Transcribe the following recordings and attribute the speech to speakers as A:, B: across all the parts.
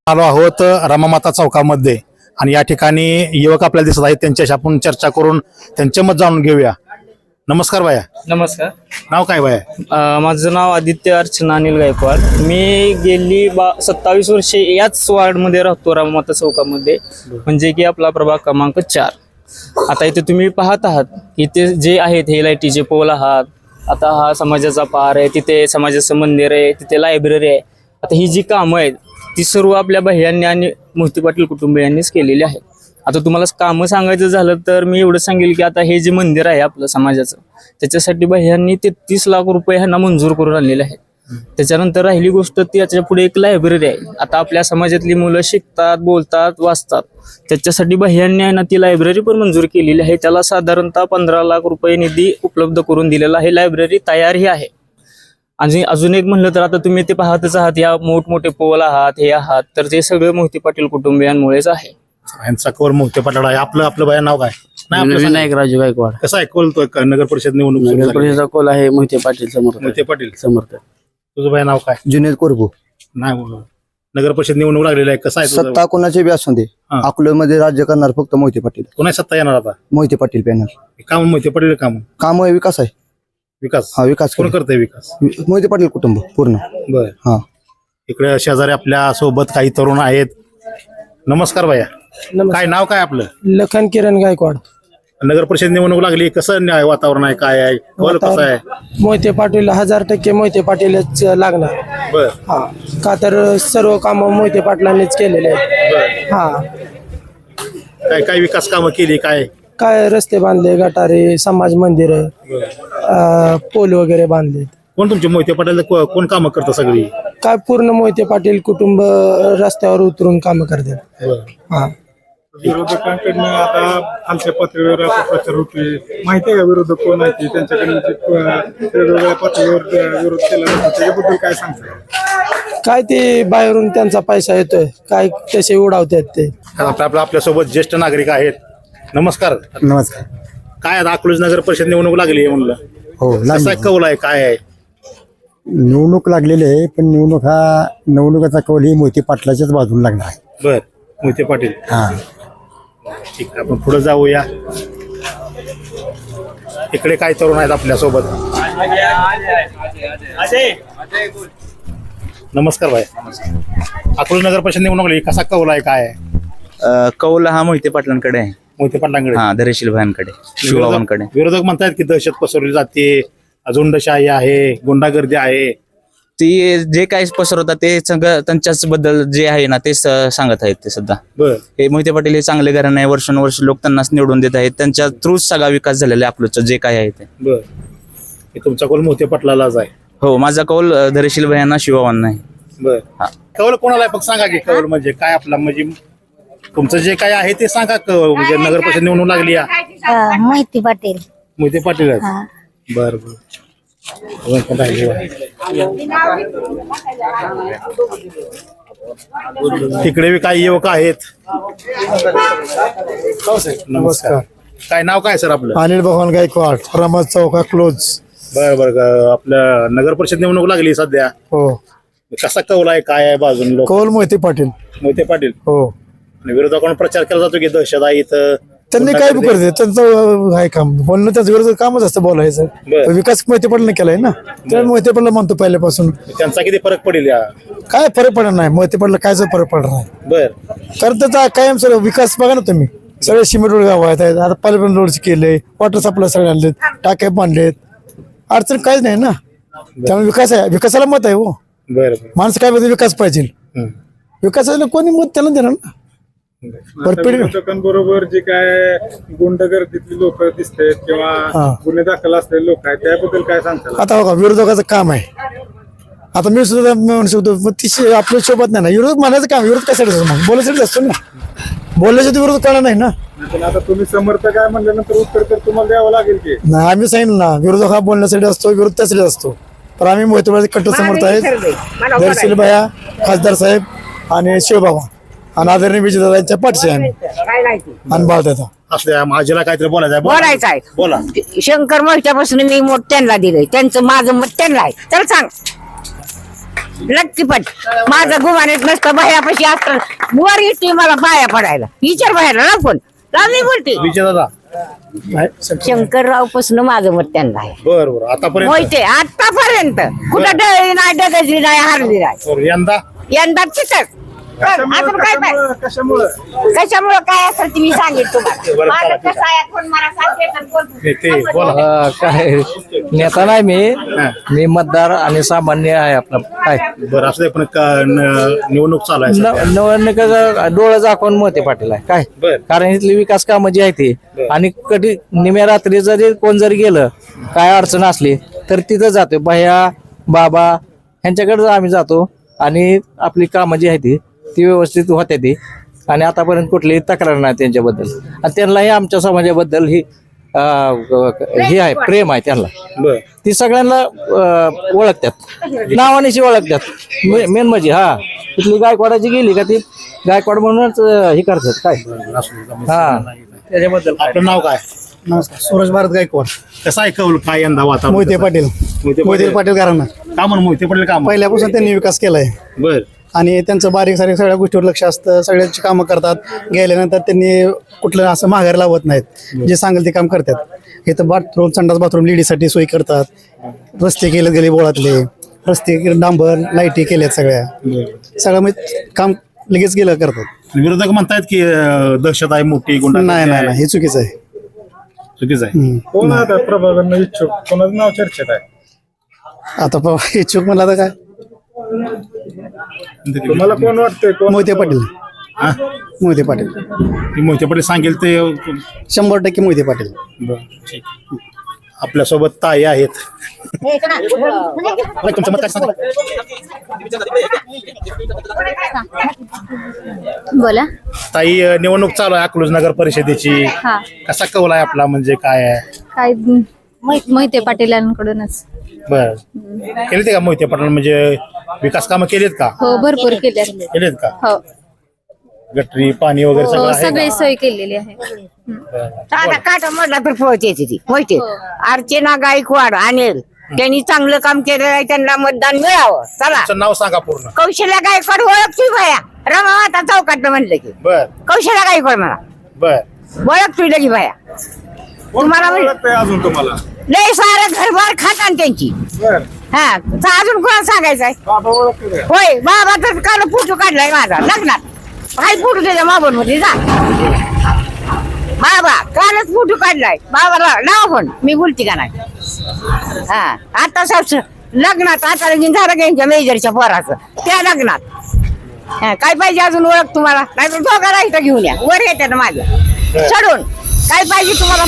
A: आलो आहोत रामामाता चौकामध्ये आणि या ठिकाणी युवक आपल्याला दिसत आहेत. त्यांच्याशी आपण चर्चा करून त्यांचे मत जाणून घेऊया. नमस्कार बाया.
B: नमस्कार.
A: नाव काय बाया?
B: माझं नाव आदित्य अर्चना अनिल गायकवाड. मी गेली 27 वर्षे याच वार्डमध्ये राहतो, राममाता चौकामध्ये, म्हणजे की आपला प्रभाग क्रमांक 4. आता इथे तुम्ही पाहत आहात इथे जे आहेत हे लाईटीचे पोल आहात. आता हा समाजाचा पार आहे, तिथे समाजाचं मंदिर आहे, तिथे लायब्ररी आहे. आता ही जी कामं आहेत ती सर्व आपल्या भैयांनी आणि मोहिते पाटील कुटुंबियांनीच केलेली आहेत. आता तुम्हाला कामं सांगायचं झालं तर मी एवढं सांगेल की आता हे जे मंदिर आहे आपलं समाजाचं, त्याच्यासाठी भैयांनी 33 लाख रुपये ह्यांना मंजूर करून आणलेले आहेत. त्याच्यानंतर राहिली गोष्ट ती याच्या पुढे एक लायब्ररी आहे. आता आपल्या समाजातली मुलं शिकतात, बोलतात, वाचतात, त्याच्यासाठी भैयांनी आहे ना ती लायब्ररी पण मंजूर केलेली आहे. त्याला साधारणतः 15 लाख रुपये निधी उपलब्ध करून दिलेला आहे. लायब्ररी तयारही आहे. आणि अजून एक म्हणलं तर आता तुम्ही ते पाहतच आहात, या मोठमोठे पोल आहात, हे आहात, तर ते सगळे मोहिते पाटील कुटुंबियांमुळेच आहे.
A: यांचा कवर मोहिते पाटील आहे. आपलं बाया नाव काय?
C: विनायक राजू गायकवाड.
A: कसं आहे कोल नगर परिषद निवडणूक सुरू झाली?
C: परिषदेचा कोल आहे मोहिते पाटील समर्थ.
A: मोहिते पाटील
C: समर्थ.
A: तुझं बाया नाव काय?
D: जुनेद कोरबू.
A: नाही, नगर परिषद निवडणूक लागलेली आहे. कसं आहे तुझं?
D: सत्ता कोणाची बी असू दे,
A: हा.
D: अकोल्यामध्ये राज्य करणार फक्त मोहिते पाटील.
A: कोणाची सत्ता येणार आता?
D: मोहिते पाटील पॅनल.
A: काम मोहिते पाटील काम
D: काम आहे, विकास आहे.
A: विकास
D: हा, विकास
A: कोण
D: करेल.
A: करतंय विकास?
D: मोहिते पाटील कुटुंब पूर्ण.
A: बर.
D: हा.
A: इकडे शेजारी आपल्या सोबत काही तरुण आहेत. नमस्कार बाया. काय नाव काय आपलं?
E: लखन किरण गायकवाड.
A: नगर परिषद निवडणूक लागली, कसं वातावरण आहे, काय आहे, कौल कसं आहे?
E: मोहिते पाटील 1000% मोहिते पाटीलच लागणार.
A: बर.
E: हा, का तर सर्व काम मोहिते पाटलांनीच केलेले आहेत.
A: बर.
E: हा,
A: काय काय विकास कामं केली काय?
E: काय रस्ते बांधले, गटारे, समाज मंदिर, पोल वगैरे बांधले.
A: कोण तुमचे मोहिते पाटील कोण कामं करतं सगळी?
E: काय पूर्ण मोहिते पाटील कुटुंब रस्त्यावर उतरून काम करतात. हा.
F: विरोधकांकडनं आता आमच्या पातळीवर आता प्रचार होतोय. माहिती आहे का विरोधक कोण आहे ते? त्यांच्याकडनं वेगवेगळ्या पातळीवर विरोध केला जातो, त्याच्याबद्दल काय सांगता?
E: काय ते बाहेरून त्यांचा पैसा येतोय, काय तसे उडावतात ते.
A: आपल्यासोबत ज्येष्ठ नागरिक आहेत. नमस्कार.
D: नमस्कार.
A: काय आता अकलूज नगर परिषद निवडणूक लागली आहे म्हणलं,
D: हो,
A: कसं आहे, कौल आहे, काय आहे?
D: निवडणूक लागलेली आहे, पण निवडणुकाचा कौल ही मोहिते पाटलाच्याच बाजूला लागणार आहे.
A: बर. मोहिते पाटील.
D: हा.
A: ठीक आहे, आपण पुढे जाऊया. इकडे काय तरुण आहेत आपल्या सोबत. नमस्कार भाई. अकलूज नगर परिषद निवडणूक लागली, कसा कौल आहे, काय आहे?
G: कौल हा मोहिते पाटलांकडे आहे.
A: मोहिते पाटलांकडे.
G: हा, धैर्यशील भायांकडे, शिवबाबांकडे.
A: विरोधक म्हणतात की दहशत पसरवली जाते, झुंडशाही आहे, गुंडागर्दी आहे.
G: ती जे काही पसरवतात ते सगळं त्यांच्याच बद्दल जे आहे ना ते सांगत आहेत ते सुद्धा.
A: बर.
G: हे मोहिते पाटील हे चांगले घराणे आहे, वर्षानुवर्ष लोक त्यांनाच निवडून देत आहेत. त्यांच्या थ्रूच सगळा विकास झालेला आहे अकलूजचा जे काही आहे ते.
A: बर. हे तुमचा कौल मोहिते पाटलालाच आहे.
G: हो, माझा कौल धैर्यशील भायांना, शिवबाबांना आहे.
A: बर.
G: हा.
A: कौल कोणाला आहे फक्त सांगा की, कौल म्हणजे काय आपला, म्हणजे तुमचं जे काय आहे ते सांगा. म्हणजे नगर परिषद निवडणूक लागली आहे.
H: मोहिते पाटील.
A: मोहिते पाटील आहेत.
H: हा.
A: बर बर. अजून कोण राहिलं आहे? तिकडे बी काही युवक आहेत. नमस्कार. काय नाव काय सर आपलं?
D: अनिल भगवान गायकवाड, रामात चौका क्लोज.
A: बर बर. आपल्या नगर परिषद निवडणूक लागली सध्या,
D: हो.
A: कसा कौल आहे, काय आहे बाजून लोक?
D: कौल मोहिते पाटील.
A: मोहिते पाटील.
D: हो.
A: आणि विरोधकांना प्रचार केला जातो की दहशत आहे इथं,
D: त्यांनी काय बी करते, त्यांचं आहे काम बोलणं, त्याचं विरोध कामच असतं बोलायचं.
A: बरं.
D: विकास मोहिते पाटील केलाय ना, तर मोहिते पाटील म्हणतो पहिल्यापासून.
A: त्यांचा किती फरक पडेल या?
D: काय फरक पडणार नाही, मोहिते पाटील कायच फरक पडणार नाही.
A: बर.
D: कारण त्याचा कायम सर विकास बघा ना तुम्ही. सगळे सिमेंट रोड गाव आहेत, आता पालपण रोड केले, वॉटर सप्लाय सगळे आणलेत, टाके बांधलेत, अडचण काहीच नाही ना. त्यामुळे विकास आहे, विकासाला मत आहे. हो,
A: बर.
D: माणसं काय म्हणते विकास पाहिजे, विकासाला कोणी मत त्याला देणार ना.
F: विरोधकांबरोबर जे काय गुंडगर्दीतली लोक दिसतात किंवा गुन्हे दाखल असलेले लोक आहेत, त्याबद्दल काय सांगता?
D: आता बघा, विरोधकाचं काम आहे. आता मी सुद्धा म्हणू शकतो, पण ती आपल्या सोबत नाही ना. विरोध म्हणायचं काम, विरोध कशासाठी असतो मग? बोलायसाठी असतो ना. बोलण्यासाठी विरोध करणार नाही ना.
F: पण आता तुम्ही समर्थक आहे म्हणल्यानंतर उत्तर तर तुम्हाला द्यावं लागेल की.
D: नाही, आम्ही सांगितलं ना, विरोधक हा बोलण्यासाठी असतो, विरोध त्यासाठी असतो. पण आम्ही मोहिते पाटील कट्टर समर्थ आहेत. धैर्यशील भैया, खासदार साहेब आणि शिवबाबा आणि आदरणीय विजयदादांच्या पाठशी आम्ही आणि बाळदादा.
A: असल्या माझ्याला काहीतरी
H: बोलायचं आहे.
A: बोला.
H: शंकर मोर्चापासून मी मत त्यांना दिलंय, त्यांचं माझं मत त्यांना आहे. तर सांग. लटकीपट माझं गुमानीत नसतं भयापाशी असतं वर येते मला पाया पडायला विचार बाहेर ना कोण मी बोलते
A: विजय दादा
H: शंकरराव पासून माझं मत त्यांना आहे
A: बर बर आतापर्यंत
H: मोहिते आतापर्यंत कुठं डळली नाही डगजली नाही हारली नाही
A: बरं, यंदा
H: यंदा तिथंच अजून काय पाहिजे? कशामुळं काय असेल ते मी सांगेन तुम्हाला माझं कसं आहे कोण मला सांगते तर कोण-
A: ते बोला
E: काय नेता नाही मी मतदार आणि सामान्य आहे आपला काय
A: बरं असं पण निवडणूक चालू आहे सध्या.
E: निवडणुकीचं डोळं झाकून मोहिते पाटील आहे काय
A: बर
E: कारण इथली विकास कामं जी आहे ती आणि कधी निम्या रात्री जरी कोण जरी गेलं काय अडचण असली तर तिथं जातो भैया बाबा ह्यांच्याकडे आम्ही जातो आणि आपली कामं जी आहे ती व्यवस्थित होत्या ती आणि आतापर्यंत कुठलीही तक्रार नाही त्यांच्याबद्दल आणि त्यांनाही आमच्या समाजाबद्दल ही हे आहे प्रेम आहे त्यांना
A: बर
E: ती सगळ्यांना ओळखतात नावानिशी ओळखतात मेन म्हणजे हा तिथली गायकवाडाची गेली का ती गायकवाड म्हणूनच हे करतात काय हा त्याच्याबद्दल
A: आपलं नाव काय
D: नमस्कार सूरज भारत गायकवाड
A: कसं आहे कौल काय यंदा वातावरण
D: मोहिते पाटील
A: मोहिते
D: मोहिते
A: पाटील
D: पाटील घराणं
A: का म्हणून मोहिते पाटील काम
D: पहिल्यापासून त्यांनी विकास केलाय
A: बर
D: आणि त्यांचं बारीक सारीक सगळ्या गोष्टीवर लक्ष असतं सगळ्यांची कामं करतात गेल्यानंतर त्यांनी कुठलं असं माघार लावत नाहीत जे सांगेल ते काम करतात इथं बाथरूम संडास बाथरूम लेडीजसाठी सोयी करतात रस्ते केले गेले बोळातले रस्ते डांबर लाईटी केल्यात सगळं म्हणजे काम लगेच गेलं करतात
A: विरोधक म्हणतायत की दहशत आहे मोठी गुंडा
D: नाही नाही नाही, हे चुकीचं आहे
A: चुकीचं आहे
F: कोण आता प्रभागांना इच्छुक कोणाचं नाव चर्चेत आहे
D: आता इच्छुक म्हणला तर काय
F: तुम्हाला कोण वाटतंय कोण
D: मोहिते पाटील
A: हा?
D: मोहिते पाटील
A: की मोहिते पाटील सांगेल ते
D: 100% मोहिते पाटील
A: बरं, ठीक. आपल्यासोबत ताई आहेत तुमचं मत काय सांगा?
I: बोला
A: ताई निवडणूक चालू आहे अकलूज नगर परिषदेची
I: हा
A: कसा कौल आहे आपला म्हणजे काय आहे
I: काय मोहिते पाटीलांकडूनच
A: बर केले का मोहिते पाटील म्हणजे विकास कामं केलेत का
I: हो भरपूर केल्या
A: केलेत का
I: हो
A: गटरी पाणी वगैरे सगळं
I: हो
A: आहे
I: सगळी
A: का?
I: सोय केलेली आहे
H: आता काटा म्हटला तर पोहोचते ती माहिती अर्चना गायकवाड अनिल त्यांनी चांगलं काम केलेलं आहे त्यांना मतदान मिळावं चला
A: तुमचं नाव सांगा पूर्ण
H: कौशल्या गायकवाड ओळखती भया रमामाता चौकात म्हणलं की
A: बर
H: कौशल्या गायकवाड मला
A: बर
H: ओळखती लगी भया तुम्हाला
F: कोण
H: म्हणलं,
F: वाटतंय अजून तुम्हाला
H: लय सारं घरबार खातान त्यांची
F: बर
H: हा तर अजून कोणाला सांगायचंय
F: बाबा ओळखते का?
H: होय बाबा तर काल फोटो काढलाय माझा लग्नात हाय फोटो त्याच्या मोबाईल मध्ये जा बाबा कालच फोटो काढलाय बाबाला लावा पण मी बोलते का नाही हा आता सब लग्नात आता लगीन झालं त्यांच्या मेजरच्या पोराचं त्या लग्नात हा, काय पाहिजे अजून ओळख तुम्हाला नाही तर दोघाला इथं घेऊन या वर येते ना माझ्या चढून काय पाहिजे तुम्हाला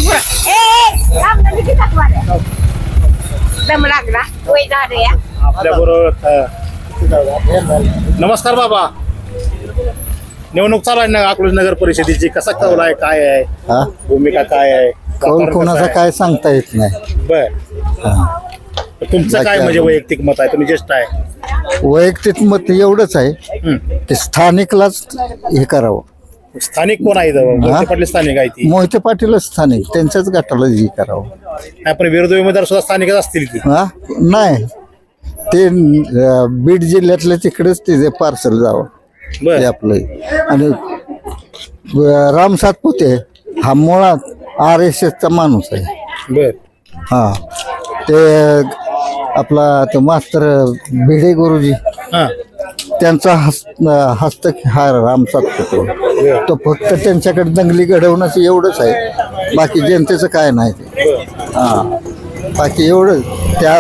H: पुरा दम लागला वय झालं या
A: आपल्या बरोबर नमस्कार बाबा निवडणूक चालू आहे ना अकलूज नगर परिषदेची कसा कौल आहे काय आहे भूमिका काय आहे
J: कौल
A: वातावरण कसं
J: कोणाचं
A: आहे?
J: काय सांगता येत नाही
A: बर तुमचं काय म्हणजे वैयक्तिक मत आहे तुम्ही ज्येष्ठ आहे
J: वैयक्तिक मत एवढंच आहे
A: हम्म.
J: की स्थानिकलाच हे करावं
A: स्थानिक कोण आहे इथं? मोहिते पाटील स्थानिक आहे ती
J: मोहिते पाटीलच स्थानिक त्यांच्याच गटाला हे करावं
A: नाही पण विरोधी उमेदवार सुद्धा स्थानिकच असतील की
J: हा नाही ते बीड जिल्ह्यातल्या तिकडेच ते पार्सल जावं ते
A: बर
J: आपलं आणि राम सातपुते हा मुळात RSS चा माणूस आहे
A: बर
J: हा ते आपला तो मास्तर भिडे गुरुजी
A: हा
J: त्यांचा हस्तक हा राम सातपुते तो फक्त त्यांच्याकडे दंगली घडवणं एवढंच आहे बाकी जनतेचं काय नाही ते हा बाकी एवढं त्या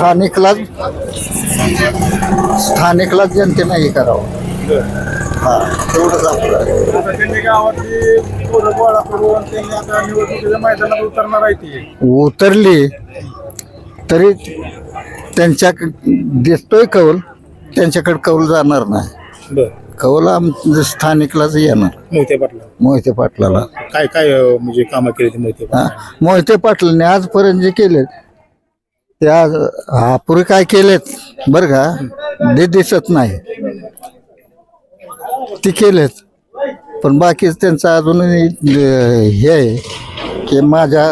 J: स्थानिकलाच जनतेनं हे करावं हा तेवढंच आपलं आहे.
F: आता त्यांनी गावातली पोरं गोळा करून त्यांनी आता निवडणुकीच्या मैदानात उतरणार आहे ती
J: उतरली तरी त्यांच्या दिसतोय कौल त्यांच्याकडे कौल जाणार नाही
A: बर
J: कौल स्थानिकलाच येणार
A: मोहिते पाटील
J: मोहिते पाटलाला
A: काय काय म्हणजे कामं केली ती मोहिते
J: हा
A: पाटील
J: मोहिते पाटलांनी आजपर्यंत जे केले ते आज पुढे काय केलेत बरं का ते दिसत नाही ते केलेत पण बाकीच त्यांचं अजूनही हे आहे की माझ्या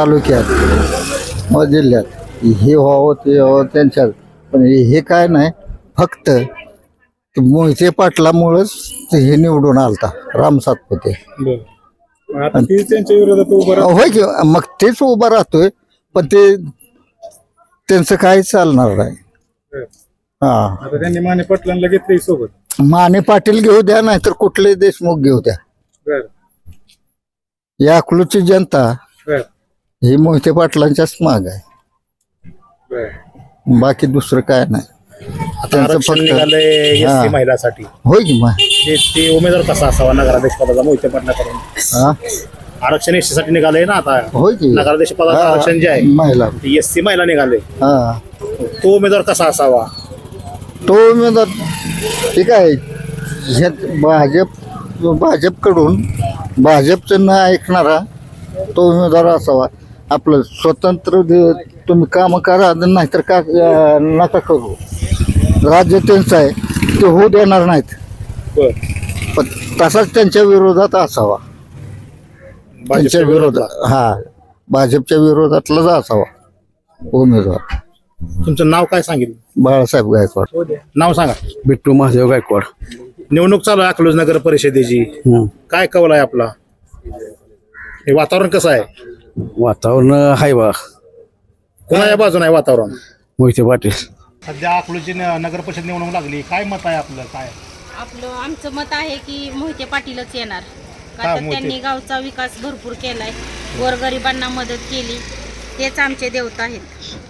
J: तालुक्यात व जिल्ह्यात हे व्हावं ते व्हावं त्यांच्यात पण हे काय नाही फक्त मोहिते पाटलामुळेच हे निवडून आलता राम सातपुते.
F: बरं आता ती त्यांच्या विरोधात उभं राहत
J: होय की मग तेच उभा राहतोय पण ते त्यांचं काही चालणार नाही. हा
F: आता त्यांनी माने पाटलांना घेतलंय सोबत.
J: माने पाटील घेऊ द्या नाहीतर कुठले देशमुख घेऊ द्या.
F: बरं
J: या अकलूजची जनता
F: बरं
J: ही मोहिते पाटलांच्याच माग आहे.
F: बरं
J: बाकी दुसरं काय नाही.
A: आता आरक्षण निघालंय
J: हा.
A: SC महिलासाठी
J: होय की मग
A: ते उमेदवार कसा असावा नगराध्यक्ष पदाचा मोहिते पाटलाकडून?
J: हा
A: आरक्षण SC साठी निघालंय ना आता.
J: होय की
A: नगराध्यक्ष पदाचं आरक्षण जे आहे
J: महिला
A: ते SC महिला निघाले.
J: हा
A: तो उमेदवार कसा असावा?
J: तो उमेदवार ठीक आहे. भाजपकडून भाजपचं न ऐकणारा तो उमेदवार असावा. आपलं स्वतंत्र तुम्ही काम करा नाहीतर का नका करू. राज्य त्यांचं आहे ते होऊ देणार नाहीत. पण तसाच त्यांच्या विरोधात असावा. त्यांच्या विरोधात हा भाजपच्या विरोधातलाच असावा उमेदवार.
A: तुमचं नाव काय सांगितलं?
J: बाळासाहेब गायकवाड.
A: नाव सांगा.
C: बिट्टू महादेव गायकवाड.
A: निवडणूक चालू आहे अकलूज नगर परिषदेची. काय कौल आहे आपला? हे वातावरण कसं आहे?
C: वातावरण आहे बा
A: कोणाच्या बाजूने आहे वातावरण?
C: मोहिते पाटील.
A: सध्या अकलूजची नगर परिषद निवडणूक लागली. काय मत आहे आपलं? काय
I: आमचं मत आहे की मोहिते पाटीलच येणार.
A: का
I: का तर
A: मोहिते?
I: त्यांनी गावचा विकास भरपूर केलाय, गोरगरिबांना मदत केली, तेच आमचे देवता आहेत.